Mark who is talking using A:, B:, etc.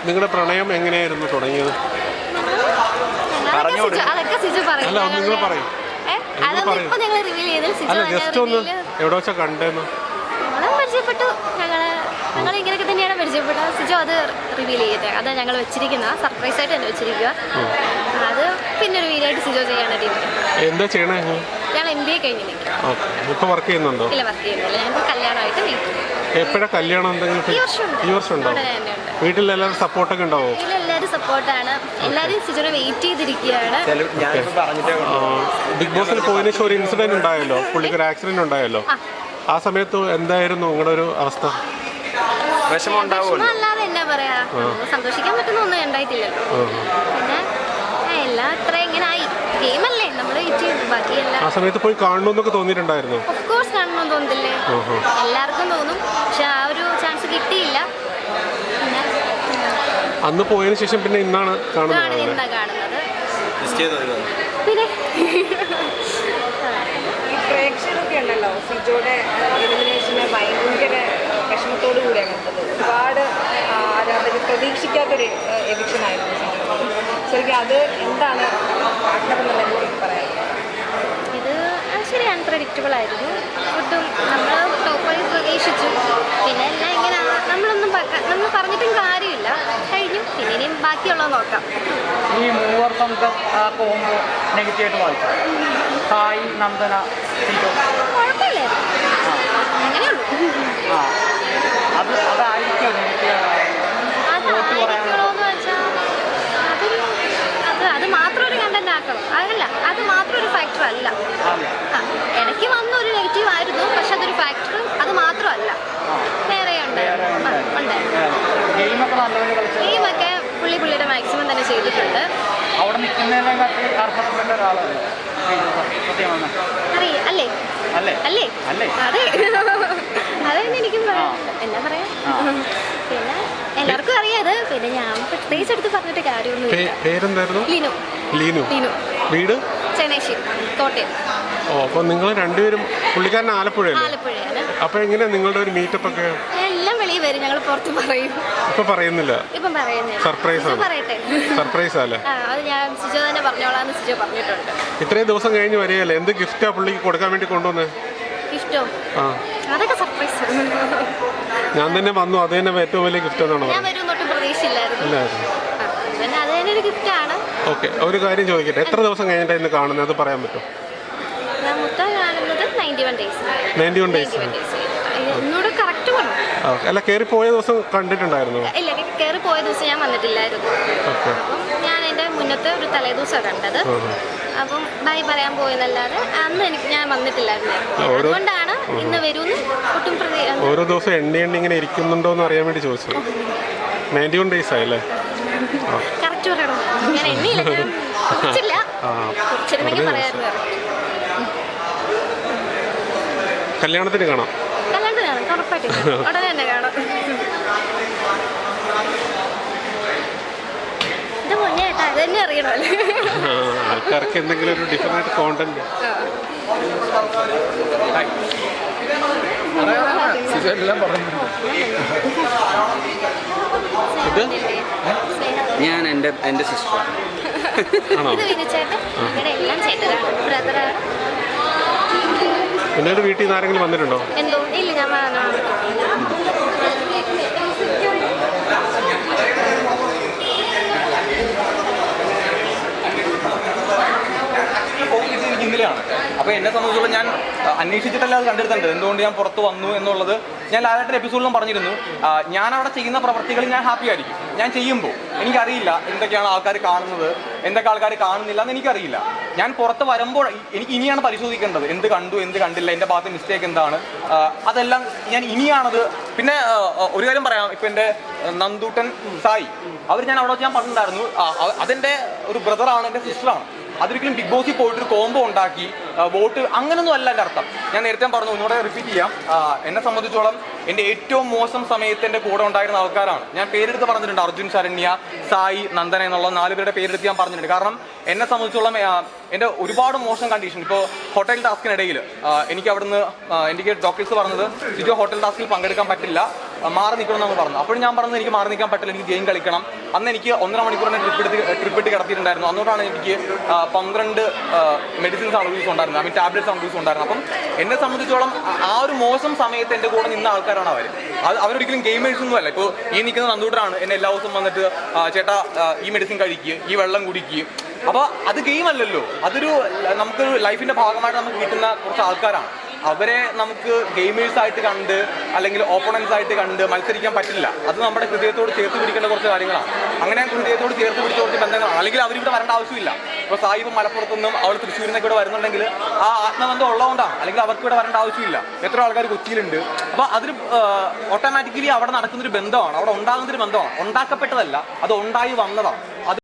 A: നിങ്ങളുടെ പ്രണയം എങ്ങനെയായിരുന്നു തുടങ്ങിയത്?
B: അതൊക്കെ സിജു പറയും.
A: അല്ല നിങ്ങൾ പറയും. അല്ല ജസ്റ്റ് ഒന്ന് എവിടെ വെച്ചാ കണ്ടെന്ന്.
B: പരിചയപ്പെട്ടു. ഞങ്ങൾ ഇങ്ങനെയൊക്കെ തന്നെയാണ് പരിചയപ്പെട്ടത്. സിജു അത് റിവീൽ ചെയ്യട്ടെ. അത് ഞങ്ങൾ വെച്ചിരിക്കുന്ന സർപ്രൈസ് ആയിട്ട് തന്നെ വെച്ചിരിക്കുക. അത് പിന്നെ ഒരു വീഡിയോ ആയിട്ട് സിജു ചെയ്യാനാണ് ടീം.
A: എന്താ ചെയ്യണേ?
B: ഞാൻ MBA കഴിഞ്ഞ് നിൽക്കാം.
A: ഇപ്പൊ വർക്ക് ചെയ്യുന്നുണ്ടോ?
B: ഇല്ല, വർക്ക് ചെയ്യുന്നില്ല. ഞാനിപ്പോൾ കല്യാണമായിട്ട് വീട്ടിൽ.
A: എപ്പോഴാ കല്യാണം? എന്തെങ്കിലും ഈ വർഷം ഉണ്ടോ? വീട്ടിൽ എല്ലാവരും സപ്പോർട്ടൊക്കെ ഉണ്ടാവോ?
B: എല്ലാവരും സപ്പോർട്ടാണ്. എല്ലാവരും സിജുനെ വെയിറ്റ് ചെയ്തിരിക്കുകയാണ്.
A: ബിഗ് ബോസിൽ പോയതിനു ശേഷം ഒരു ഇൻസിഡന്റ് ഉണ്ടായല്ലോ, പുള്ളിക്കൊരു ആക്സിഡന്റ് ഉണ്ടായല്ലോ. ആ സമയത്ത് എന്തായിരുന്നു നിങ്ങളുടെ ഒരു അവസ്ഥ?
B: അല്ലാതെ എന്നാ പറയാ, സന്തോഷിക്കാൻ പറ്റുന്ന ഒന്നും ഉണ്ടായിട്ടില്ലല്ലോ. പിന്നെ എല്ലാം അത്ര എങ്ങനെ ആയി. ഗെയിമല്ലേ, നമ്മൾ വെയിറ്റ് ചെയ്തു. ബാക്കിയെല്ലാം
A: ആ സമയത്ത് പോയി കാണണമെന്നൊക്കെ തോന്നിയിട്ടുണ്ടായിരുന്നു.
B: ഓഫ് കോഴ്സ് കാണണമെന്ന് തോന്നില്ലേ, എല്ലാവർക്കും തോന്നും. പക്ഷെ ആ ഒരു ചാൻസ് കിട്ടിയില്ല.
A: അന്ന് പോയതിനു ശേഷം പിന്നെ ഇന്നാണ് കാണുന്നത്.
B: പിന്നെ
C: പ്രേക്ഷകരൊക്കെ ഉണ്ടല്ലോ സിജോയുടെ എലിമിനേഷനെ ഭയങ്കര വിഷമത്തോടു കൂടിയാണ് കണ്ടത്. ഒരുപാട് ആരാധകർ പ്രതീക്ഷിക്കാത്തൊരു എവിക്ഷനായിരുന്നു സിജോ. ശരിക്കും അത് എന്താണ് ആഗ്രഹമെന്നുള്ള പറയാം?
B: ഇത് ശരി അൺപ്രഡിക്റ്റബിൾ ആയിരുന്നു. ഒട്ടും നമ്മൾ ടോപ്പ് 5 പ്രതീക്ഷിച്ചു. പിന്നെ എല്ലാം ഇങ്ങനെ നമ്മൾ പറഞ്ഞിട്ടും കാര്യമില്ല. കഴിഞ്ഞു. പിന്നെ ഇനിയും ബാക്കിയുള്ളത് നോക്കാം.
D: ഈ മൂവർ നമുക്ക് പോകുമ്പോൾ നെഗറ്റീവായിട്ട് വായിച്ചു. സായി, നന്ദന,
B: കുഴപ്പമില്ലായിരുന്നു. അങ്ങനെയുള്ളൂ.
D: അതായിരിക്കും
B: അത് മാത്രം ഒരു കണ്ടന്റ് ആക്കണം. അതല്ല, അത് മാത്രം ഒരു ഫാക്ടർ അല്ല. ഇടയ്ക്ക് വന്ന ഒരു നെഗറ്റീവ് ആയിരുന്നു. പക്ഷെ അതൊരു ഫാക്ടർ അത് മാത്രമല്ല, വേറെ ഉണ്ടായിരുന്നു. ഗെയിമൊക്കെ പുള്ളിയുടെ മാക്സിമം തന്നെ ചെയ്തിട്ടുണ്ട്.
D: അവിടെ നിൽക്കുന്നതിനെക്കാട്ടി അർഹതപ്പെട്ട ഒരാളല്ലേ
B: അല്ലേ? അല്ലേ? അതെ, അതെന്നെ എനിക്കും പറയാം. എന്നാ പറയാ, പിന്നെ എല്ലാവർക്കും അറിയാത്. പിന്നെ ഞാൻ പ്രത്യേകിച്ച് എടുത്ത് പറഞ്ഞിട്ട് കാര്യമൊന്നും. ലീനു.
A: വീട്
B: ചങ്ങനാശ്ശേരി, കോട്ടയം.
A: അപ്പൊ നിങ്ങൾ രണ്ടുപേരും പുള്ളിക്കാരൻ ആലപ്പുഴയാണ്. അപ്പൊ എങ്ങനെയാ നിങ്ങളുടെ ഒരു മീറ്റപ്പ് ഒക്കെ?
B: എല്ലാം വെളിയിൽ വരും, ഞങ്ങൾ പുറത്ത് പറയും.
A: ഇപ്പൊ പറയുന്നില്ല. സർപ്രൈസ് അല്ലേ?
B: അത് ഞാൻ സിജോ തന്നെ പറഞ്ഞോളാന്ന് സിജോ പറഞ്ഞിട്ടുണ്ട്.
A: ഇത്രയും ദിവസം കഴിഞ്ഞ് വരികയല്ലേ, എന്ത് ഗിഫ്റ്റാ പുള്ളിക്ക് കൊടുക്കാൻ വേണ്ടി കൊണ്ടുവന്നേ?
B: ഗിഫ്റ്റോ? അതൊക്കെ സർപ്രൈസ്.
A: ഞാൻ തന്നെ വന്നു, അത് തന്നെ ഏറ്റവും വലിയ ഗിഫ്റ്റ് എന്നാണ്.
B: ഞാൻ വരും തൊട്ടും പ്രതീക്ഷയില്ലായിരുന്നു. പിന്നെ അത് തന്നെ ഒരു ഗിഫ്റ്റാണ്.
A: ഓക്കെ, ഒരു കാര്യം ചോദിക്കട്ടെ, എത്ര ദിവസം കഴിഞ്ഞിട്ടാണ് ഇന്ന് കാണുന്നത്? അത് പറയാൻ പറ്റുമോ?
B: ഞാൻ മൊത്തം കാണുന്നത് 91 ഡേയ്സ്. എന്നോട് കറക്റ്റ് പറഞ്ഞു.
A: അല്ല, കയറി പോയ ദിവസം കണ്ടിട്ടുണ്ടായിരുന്നു?
B: ഇല്ല, കയറി പോയ ദിവസം ഞാൻ വന്നിട്ടില്ലായിരുന്നു. അപ്പം ഞാൻ എൻ്റെ മുന്നത്തെ ഒരു തലേദിവസമാണ് കണ്ടത്. അപ്പം ബൈ പറയാൻ പോയെന്നല്ലാതെ അന്ന് ഞാൻ വന്നിട്ടില്ലായിരുന്നു. അതുകൊണ്ടാണ് ഇന്ന് വരുമെന്ന് ഒട്ടും
A: ഓരോ ദിവസം എണ്ണി ഇങ്ങനെ ഇരിക്കുന്നുണ്ടോ എന്ന് അറിയാൻ വേണ്ടി ചോദിച്ചു. 91 ഡേയ്സ് ആയല്ലേ?
B: കറക്റ്റ് പറയണം. ഞാൻ എണ്ണിയില്ല, കുറച്ചില്ല. കുറച്ചിരുന്നെങ്കിൽ പറയാമായിരുന്നു.
A: കല്യാണത്തിന് കാണാം.
B: ഉറപ്പായിട്ടും ഉടനെ തന്നെ കാണാം. ഇത് മുന്നേ കേട്ടാ, അത് തന്നെ അറിയണമല്ലോ.
A: ആൾക്കാർക്ക് എന്തെങ്കിലും ഒരു ഡിഫറെന്റ് കോണ്ടന്റ്.
E: ഞാൻ എൻ്റെ സിസ്റ്റർ.
B: ഇത് വിനിച്ചേട്ടൻ, ഇവിടെ എല്ലാം ചേട്ടനാണ്, ബ്രദറാണ്.
A: പിന്നെ വീട്ടിൽ നിന്ന് ആരെങ്കിലും വന്നിട്ടുണ്ടോ?
B: എന്തോ ഇല്ല, ഞാൻ
E: ഇന്നലെയാണ്. അപ്പോൾ എന്നെ സംബന്ധിച്ചോളം ഞാൻ അന്വേഷിച്ചിട്ടല്ല അത് കണ്ടെടുത്തേണ്ടത്. എന്തുകൊണ്ട് ഞാൻ പുറത്ത് വന്നു എന്നുള്ളത് ഞാൻ ലാലേട്ടൻ്റെ എപ്പിസോഡിലും പറഞ്ഞിരുന്നു. ഞാൻ അവിടെ ചെയ്യുന്ന പ്രവർത്തികളിൽ ഞാൻ ഹാപ്പി ആയിരിക്കും. ഞാൻ ചെയ്യുമ്പോൾ എനിക്കറിയില്ല എന്തൊക്കെയാണ് ആൾക്കാർ കാണുന്നത്, എന്തൊക്കെ ആൾക്കാർ കാണുന്നില്ല എന്ന് എനിക്കറിയില്ല. ഞാൻ പുറത്ത് വരുമ്പോൾ എനിക്ക് ഇനിയാണ് പരിശോധിക്കേണ്ടത്, എന്ത് കണ്ടു എന്ത് കണ്ടില്ല, എൻ്റെ ഭാഗത്ത് മിസ്റ്റേക്ക് എന്താണ്, അതെല്ലാം ഞാൻ ഇനിയാണത്. പിന്നെ ഒരു കാര്യം പറയാം, ഇപ്പം എൻ്റെ നന്ദൂട്ടൻ, സായി, അവർ ഞാൻ അവിടെ വെച്ച് ഞാൻ പറഞ്ഞിട്ടുണ്ടായിരുന്നു, അതെൻ്റെ ഒരു ബ്രദറാണ്, എൻ്റെ സിസ്റ്ററാണ്. അതൊരിക്കലും ബിഗ് ബോസിൽ പോയിട്ടൊരു കോംബോ ഉണ്ടാക്കി വോട്ട് അങ്ങനൊന്നും അല്ല എൻ്റെ അർത്ഥം. ഞാൻ നേരത്തെ പറഞ്ഞു, ഒന്നുകൂടെ റിപ്പീറ്റ് ചെയ്യാം. എന്നെ സംബന്ധിച്ചോളം എൻ്റെ ഏറ്റവും മോശം സമയത്ത് എൻ്റെ കൂടെ ഉണ്ടായിരുന്ന ആൾക്കാരാണ്. ഞാൻ പേരെടുത്ത് പറഞ്ഞിട്ടുണ്ട്, അർജുൻ, ശരണ്യ, സായി, നന്ദന എന്നുള്ള 4 പേരുടെ പേരെടുത്ത് ഞാൻ പറഞ്ഞിട്ടുണ്ട്. കാരണം എന്നെ സംബന്ധിച്ചോളം എൻ്റെ ഒരുപാട് മോശം കണ്ടീഷൻ. ഇപ്പോൾ ഹോട്ടൽ ടാസ്കിനിടയിൽ എനിക്ക് അവിടുന്ന് എനിക്ക് ഡോക്ടേഴ്സ് പറഞ്ഞത്, സിജോ ഹോട്ടൽ ടാസ്കിൽ പങ്കെടുക്കാൻ പറ്റില്ല, മാറി നിൽക്കണം എന്ന് പറഞ്ഞു. അപ്പോഴും ഞാൻ പറഞ്ഞത് എനിക്ക് മാറി നിൽക്കാൻ പറ്റില്ല, എനിക്ക് ഗെയിം കളിക്കണം. അന്ന് എനിക്ക് 1.5 മണിക്കൂറിനെ ട്രിപ്പ് ഇട്ട് കിടത്തിയിട്ടുണ്ടായിരുന്നു. അന്നോട്ടാണ് എനിക്ക് 12 മെഡിസിൻസ് ആണ് യൂസ് ഉണ്ടായിരുന്നത്, ഐ മീൻ ടാബ്ലറ്റ്സ് ആണ് യൂസ് ഉണ്ടായിരുന്നത്. അപ്പം എന്നെ സംബന്ധിച്ചോളം ആ ഒരു മോശം സമയത്ത് എൻ്റെ കൂടെ നിന്ന ആൾക്കാരാണ് അവർ. അവരൊരിക്കലും ഗെയിമേഴ്സ് ഒന്നും അല്ല. ഇപ്പോൾ ഈ നിൽക്കുന്ന നന്ദൂട്ടനാണ് എന്നെ എല്ലാ ദിവസവും വന്നിട്ട് ചേട്ടാ ഈ മെഡിസിൻ കഴിക്കുക, ഈ വെള്ളം കുടിക്കുക. അപ്പോൾ അത് ഗെയിം അല്ലല്ലോ, അതൊരു നമുക്കൊരു ലൈഫിൻ്റെ ഭാഗമായിട്ട് നമുക്ക് കിട്ടുന്ന കുറച്ച് ആൾക്കാരാണ്. അവരെ നമുക്ക് ഗെയിമേഴ്സ് ആയിട്ട് കണ്ട് അല്ലെങ്കിൽ ഓപ്പണൻസ് ആയിട്ട് കണ്ട് മത്സരിക്കാൻ പറ്റില്ല. അത് നമ്മുടെ ഹൃദയത്തോട് ചേർത്ത് പിടിക്കേണ്ട കുറച്ച് കാര്യങ്ങളാണ്. അങ്ങനെ ഹൃദയത്തോട് ചേർത്ത് പിടിച്ച കുറച്ച് ബന്ധങ്ങളാണ്. അല്ലെങ്കിൽ അവരിവിടെ വരേണ്ട ആവശ്യമില്ല. ഇപ്പോൾ സായിബ് മലപ്പുറത്തുനിന്നും അവൾ തൃശ്ശൂരിൽ നിന്നൊക്കെ ഇവിടെ വരുന്നുണ്ടെങ്കിൽ ആ ആത്മബന്ധം ഉള്ളതുകൊണ്ടാണ്. അല്ലെങ്കിൽ അവർക്ക് ഇവിടെ വരേണ്ട ആവശ്യമില്ല. എത്ര ആൾക്കാർ കൊച്ചിയിലുണ്ട്. അപ്പോൾ അതൊരു ഓട്ടോമാറ്റിക്കലി അവിടെ നടക്കുന്നൊരു ബന്ധമാണ്, അവിടെ ഉണ്ടാകുന്നൊരു ബന്ധമാണ്. ഉണ്ടാക്കപ്പെട്ടതല്ല, അത് ഉണ്ടായി വന്നതാണ്. അത്